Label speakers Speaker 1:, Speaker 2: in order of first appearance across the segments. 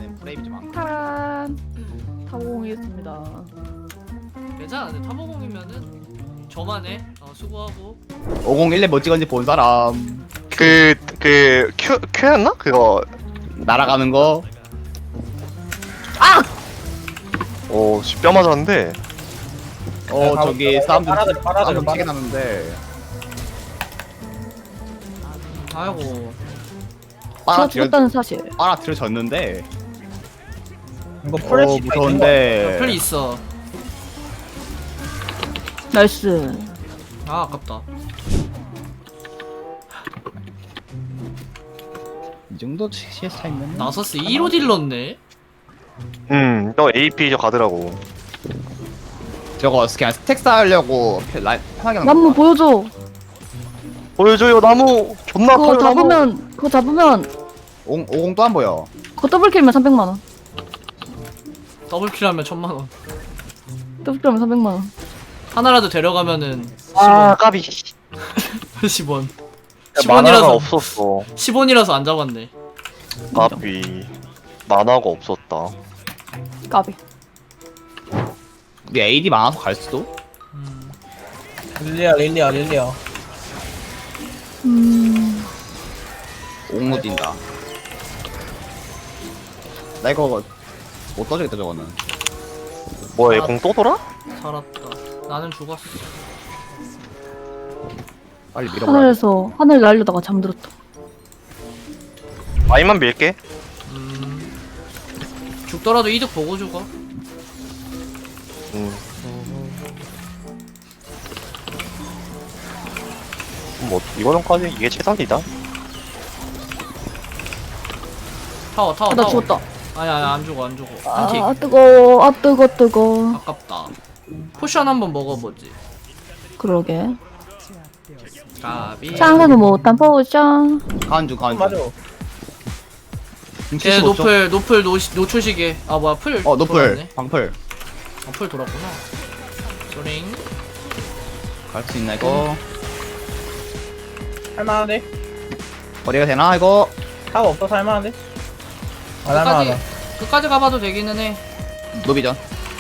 Speaker 1: 때문에 프레임이 좀 안.
Speaker 2: 파란 타보공이겠습니다.
Speaker 3: 괜찮아. 근데 타보공이면은 저만 해. 수고하고.
Speaker 1: 501렙 뭐 찍었는지 본 사람.
Speaker 4: 큐였나? 그거.
Speaker 1: 날아가는 거.
Speaker 4: 오, 뼈 맞았는데.
Speaker 1: 저기 싸움 좀
Speaker 5: 빨아들여.
Speaker 1: 치게 나는데.
Speaker 3: 아이고.
Speaker 2: 제가 죽었다는 사실.
Speaker 1: 빨아들여졌는데.
Speaker 5: 이거 프레시
Speaker 1: 무서운데.
Speaker 3: 플리 있어.
Speaker 2: 나이스.
Speaker 3: 아 아깝다.
Speaker 1: 이 정도 CS 차이면.
Speaker 3: 나서스 2로 딜렀네.
Speaker 4: 또 AP 저 가더라고.
Speaker 1: 저거 그냥 스택 쌓으려고 편하게 하는
Speaker 2: 나무
Speaker 1: 거야.
Speaker 2: 보여줘.
Speaker 4: 보여줘요, 나무. 존나
Speaker 2: 그거
Speaker 4: 커요, 나무.
Speaker 2: 잡으면
Speaker 1: 50 또 안 보여.
Speaker 2: 그거 더블킬이면 300만원.
Speaker 3: 더블킬하면 1000만원.
Speaker 2: 더블킬이면 300만원.
Speaker 3: 하나라도 데려가면은
Speaker 4: 아, 까비.
Speaker 3: 10원.
Speaker 4: 만화가
Speaker 3: 10원이라서
Speaker 4: 없었어.
Speaker 3: 10원이라서 안 잡았네.
Speaker 4: 까비. 만화가 없었다.
Speaker 2: 까비.
Speaker 1: 우리 AD 많아서 갈 수도.
Speaker 5: 릴리아.
Speaker 1: 5로 뛴다. 나 이거 못 떠주겠다 저거는.
Speaker 4: 뭐야, 얘 공 또 돌아?
Speaker 3: 살았다. 나는 죽었어.
Speaker 1: 빨리 밀어버려.
Speaker 2: 하늘 날려다가 잠들었다.
Speaker 4: 아이만 밀게.
Speaker 3: 죽더라도 이득 보고 죽어.
Speaker 4: 뭐, 이거는까지 이게 최선이다.
Speaker 3: 타워.
Speaker 2: 나 죽었다.
Speaker 3: 아니야 안 죽어. 안틱.
Speaker 2: 아 뜨거워. 뜨거.
Speaker 3: 아깝다. 포션 한번 먹어보지.
Speaker 2: 그러게.
Speaker 3: 까비.
Speaker 2: 짱가도 못한 포션.
Speaker 1: 가은중.
Speaker 5: 맞아.
Speaker 3: 걔 노플 노초시계. 아 뭐야 풀.
Speaker 1: 노플.
Speaker 3: 돌았네.
Speaker 1: 방풀.
Speaker 3: 풀 돌았구나. 소링.
Speaker 1: 갈 수 있나 이거?
Speaker 5: 할만한데?
Speaker 1: 거리가 되나 이거?
Speaker 5: 타가 없어서 할만한데? 안 할만하다.
Speaker 3: 끝까지 가봐도 되기는 해.
Speaker 1: 노비전.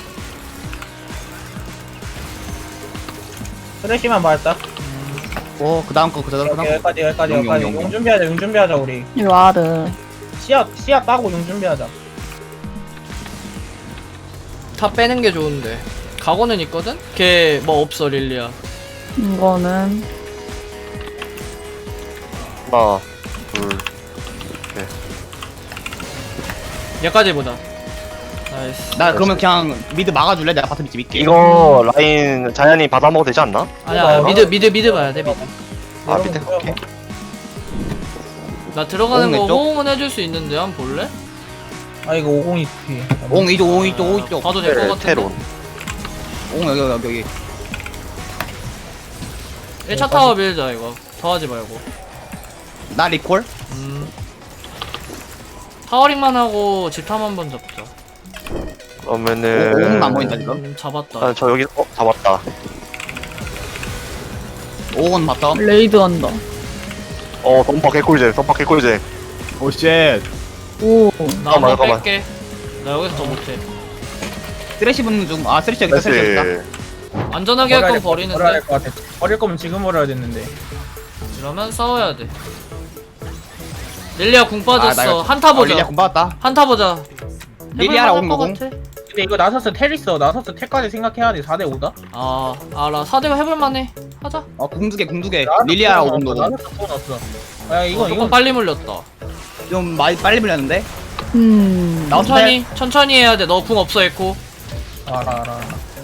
Speaker 5: 프레시만 맞았다.
Speaker 1: 그다음 거 그다음 거.
Speaker 5: 여기까지.
Speaker 1: 용.
Speaker 5: 용 준비하자 우리.
Speaker 2: 이리 와드.
Speaker 5: 씨앗 따고 용 준비하자.
Speaker 3: 다 빼는 게 좋은데. 각오는 있거든? 걔 뭐 없어 릴리아.
Speaker 2: 이거는
Speaker 4: 하나, 둘.
Speaker 3: 얘까지 보자. 나이스.
Speaker 1: 나 그러면 그냥 미드 막아줄래? 내가 바텀 밑에 밀게.
Speaker 4: 이거 라인 자연이 받아먹어도 되지 않나?
Speaker 3: 아니야 미드 봐야 돼 미드.
Speaker 4: 아, 밑에 갈게.
Speaker 3: 나 들어가는 거
Speaker 1: 왼쪽?
Speaker 3: 호응은 해줄 수 있는데 한번 볼래?
Speaker 5: 아 이거 50이 피.
Speaker 1: 5 이쪽.
Speaker 3: 봐도 될 것 같은데.
Speaker 4: 테론.
Speaker 1: 5 여기.
Speaker 3: 1차 타워 밀자 이거. 더 하지 말고.
Speaker 1: 나 리콜?
Speaker 3: 타워링만 하고 집탐 한번 잡자.
Speaker 4: 그러면은.
Speaker 1: 5안 보인다 지금.
Speaker 3: 잡았다.
Speaker 4: 저 여기, 잡았다.
Speaker 1: 5은 바텀.
Speaker 2: 레이드 한다.
Speaker 4: 덤파 개꿀잼.
Speaker 1: 오 쉣.
Speaker 2: 오.
Speaker 3: 나 한번
Speaker 4: 잠깐만.
Speaker 3: 뺄게. 나 여기서 더 못해.
Speaker 1: 쓰레쉬 붙는 중. 쓰레쉬 여기다 쓰레쉬 여기다.
Speaker 3: 안전하게 할 건 버리는데.
Speaker 5: 버려야 될 것 같아. 버릴 거면 지금 버려야 됐는데.
Speaker 3: 이러면 싸워야 돼. 릴리아 궁
Speaker 1: 나
Speaker 3: 빠졌어.
Speaker 1: 이거-
Speaker 3: 한타 보자.
Speaker 1: 릴리아 공 받았다.
Speaker 3: 한타 보자.
Speaker 1: 릴리아라
Speaker 3: 해볼만할 것
Speaker 1: 5
Speaker 3: 같아.
Speaker 5: 근데 이거 나서스 텔 있어. 나서스 텔까지 생각해야 돼. 4대 5다.
Speaker 3: 아 알아. 4대가 해볼만해. 하자.
Speaker 1: 공두개. 릴리아라 5
Speaker 5: 나서스 또 넣었어. 야 이거
Speaker 3: 조금 빨리 물렸다.
Speaker 1: 좀 많이 빨리 물렸는데. 나
Speaker 3: 천천히 해야 돼. 너 궁 없어 에코.
Speaker 5: 알아.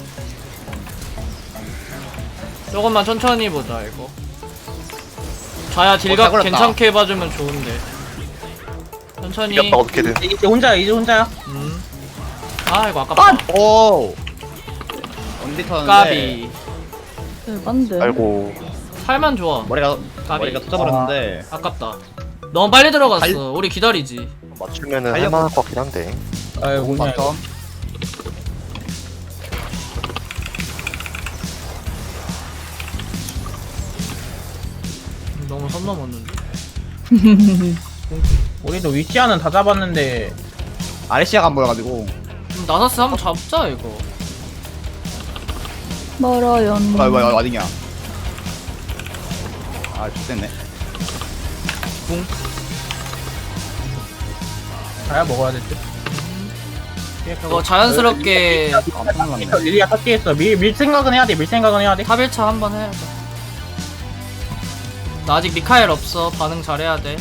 Speaker 3: 조금만 천천히 보자 이거. 자야
Speaker 1: 잘
Speaker 3: 딜각
Speaker 1: 걸렸다.
Speaker 3: 괜찮게 해봐주면 좋은데. 천천히.
Speaker 4: 이겼다, 어떻게든.
Speaker 5: 이제 혼자야.
Speaker 3: 아 이거 아깝다.
Speaker 1: 오. 언제 터는데?
Speaker 3: 까비.
Speaker 2: 대반데.
Speaker 4: 아이고.
Speaker 3: 살만 좋아.
Speaker 1: 머리가
Speaker 3: 까비.
Speaker 1: 터져버렸는데.
Speaker 3: 아깝다. 너무 빨리 들어갔어.
Speaker 1: 달-
Speaker 3: 우리 기다리지.
Speaker 4: 맞추면은
Speaker 1: 달려.
Speaker 4: 할만할 것 같긴 한데.
Speaker 5: 아이고 뭐냐 이거.
Speaker 1: 바텀.
Speaker 3: 너무 선 넘었는데.
Speaker 5: 우리도 위치아는 다 잡았는데
Speaker 1: 아레시아가 안 보여가지고.
Speaker 3: 나사스 한번 잡자 이거.
Speaker 2: 멀어요.
Speaker 1: 뭐야 어디냐? 아 좋겠네.
Speaker 5: 가야 먹어야 될 듯.
Speaker 3: 이거 자연스럽게
Speaker 1: 깜짝 놀랐네.
Speaker 5: 릴리아 탑기했어. 밀 생각은 해야 돼. 밀 생각은 해야 돼.
Speaker 3: 탑 1차 한번 해야죠. 나 아직 미카엘 없어. 반응 잘해야 돼.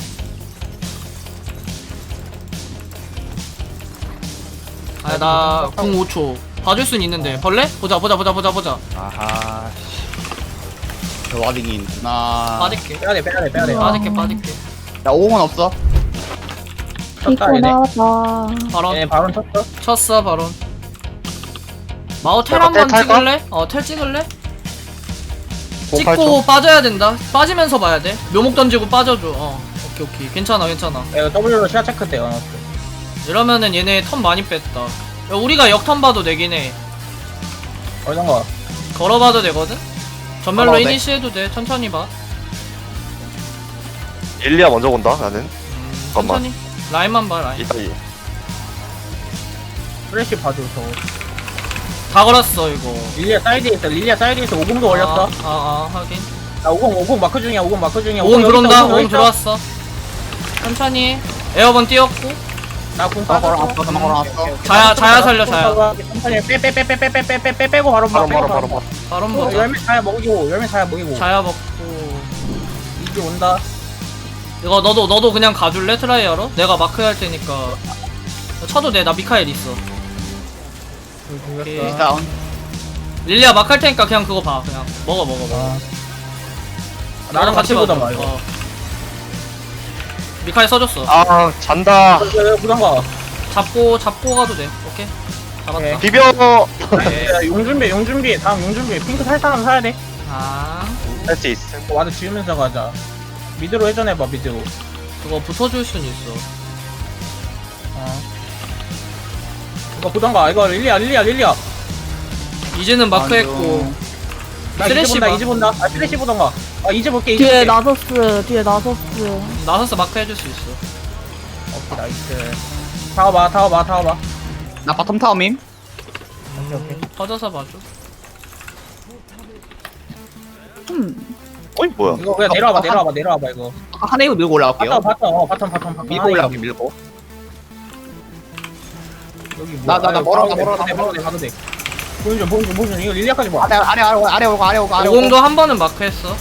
Speaker 3: 아, 나궁 5초. 봐줄 순 있는데. 벌레? 보자.
Speaker 1: 아하. 저 와딩이 있구나.
Speaker 3: 빠질게.
Speaker 5: 빼야 돼.
Speaker 3: 빠질게.
Speaker 1: 나 5원 없어.
Speaker 5: 쳤다
Speaker 2: 피고
Speaker 5: 얘네.
Speaker 2: 나와.
Speaker 3: 바론.
Speaker 5: 얘네 바론 쳤어.
Speaker 3: 쳤어, 바론. 마오 텔
Speaker 4: 내가
Speaker 3: 한번
Speaker 4: 텔 탈까?
Speaker 3: 찍을래? 텔 찍을래? 찍고
Speaker 4: 8초.
Speaker 3: 빠져야 된다. 빠지면서 봐야 돼. 묘목 던지고 빠져줘. 오케이. 괜찮아.
Speaker 5: 이거 W로 시야 체크 돼.
Speaker 3: 이러면은 얘네 턴 많이 뺐다. 야, 우리가 역턴 봐도 되긴 해.
Speaker 5: 얼던가.
Speaker 3: 걸어봐도 되거든? 전멸로
Speaker 4: 걸어도 돼.
Speaker 3: 이니시해도 돼. 천천히 봐.
Speaker 4: 일리아 먼저 본다 나는. 잠깐만.
Speaker 3: 천천히. 라인만 봐, 라인.
Speaker 4: 이따 이.
Speaker 5: 프레쉬 봐줘 저거.
Speaker 3: 다 걸었어, 이거.
Speaker 5: 릴리아 사이드에 있어. 5공도 올렸어.
Speaker 3: 하긴.
Speaker 5: 나 50 마크 중이야. 50 마크 중이야.
Speaker 3: 5공 들어온다. 5공
Speaker 5: 여기 있어.
Speaker 3: 들어왔어. 천천히. 에어번 띄웠고.
Speaker 5: 나공
Speaker 1: 나
Speaker 5: 빠졌어.
Speaker 1: 걸어놨어. 나 걸어놨어.
Speaker 3: 자야 살려, 자야.
Speaker 5: 천천히 빼고 바로 봐.
Speaker 4: 바로.
Speaker 3: 바론 보자.
Speaker 5: 열매 자야 먹이고.
Speaker 3: 자야 먹고.
Speaker 5: 이제 온다.
Speaker 3: 이거 너도 그냥 가줄래? 트라이어로? 내가 마크 할 테니까. 쳐도 돼. 나 미카엘 있어. 오케이.
Speaker 1: 다운.
Speaker 3: 릴리아 마크 할 테니까 그냥 그거 봐. 그냥 먹어.
Speaker 5: 나랑 같이
Speaker 3: 봐줘.
Speaker 5: 보자 마 이거.
Speaker 3: 미카엘 써줬어.
Speaker 4: 아 잔다.
Speaker 5: 부담가.
Speaker 3: 잡고 가도 돼. 오케이. 잡았다.
Speaker 5: 오케이.
Speaker 4: 비벼.
Speaker 5: 용 준비. 다음 용 준비. 핑크 살 사람 사야 돼.
Speaker 4: 할 수 있음.
Speaker 5: 와드 지으면서 가자. 미드로 회전해봐 미드로.
Speaker 3: 그거 붙어줄 순 있어.
Speaker 5: 이거 보던가. 이거 릴리아.
Speaker 3: 이제는 마크 했고.
Speaker 5: 나
Speaker 3: 쓰레쉬
Speaker 5: 이제 본다. 쓰레쉬 보던가. 이제 볼게.
Speaker 2: 뒤에 나서스.
Speaker 3: 나서서 마크 해줄 수 있어.
Speaker 5: 오케이 나이스. 타워봐.
Speaker 1: 나 바텀 타워밈.
Speaker 5: 오케이.
Speaker 3: 퍼져서 봐줘.
Speaker 4: 어이 뭐야?
Speaker 5: 이거 그냥 내려와봐 이거.
Speaker 1: 한 웨이브 밀고 올라갈게요.
Speaker 5: 바텀.
Speaker 1: 밀고 올라갈게 밀고.
Speaker 5: 여기
Speaker 1: 나 멀어.
Speaker 5: 가도 돼. 보여줘. 이거 릴리아까지 봐.
Speaker 1: 아래 오고.
Speaker 3: 50도 한 번은 마크 했어.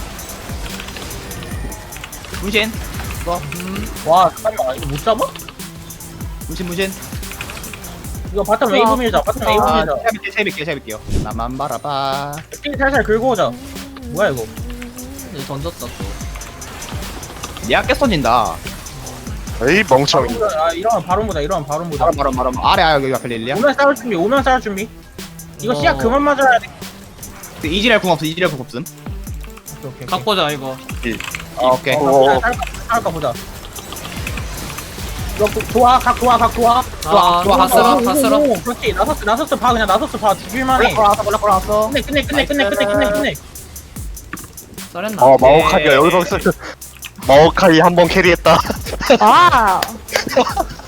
Speaker 1: 문신.
Speaker 5: 와 잠깐만 이거 못 잡아?
Speaker 1: 문신.
Speaker 5: 이거 바텀 웨이브 밀자.
Speaker 1: 세빌게요. 나만 바라봐.
Speaker 5: 스킬 살살 긁고 오자. 뭐야 이거?
Speaker 3: 이제 던졌다 또.
Speaker 1: 얘가 깨 던진다.
Speaker 4: 에이 멍청이.
Speaker 5: 이러면 바론 보자.
Speaker 1: 바로. 아래 여기 앞에 릴리야.
Speaker 5: 오면 싸울 준비. 이거 시야
Speaker 3: 어.
Speaker 5: 그만 맞아야 돼.
Speaker 1: 이지랄 궁 없음.
Speaker 5: 오케이.
Speaker 3: 각 보자 이거.
Speaker 1: 오케이.
Speaker 5: 살까 보자. 이거 각 좋아.
Speaker 3: 다 쓸어.
Speaker 5: 그렇지. 나서스 봐. 그냥 나서스 봐. 죽일만해.
Speaker 1: 올라왔어.
Speaker 5: 끝내.
Speaker 3: 잘했나?
Speaker 4: 마오카이가 여기서 마오카이 한번 캐리했다.
Speaker 2: 아.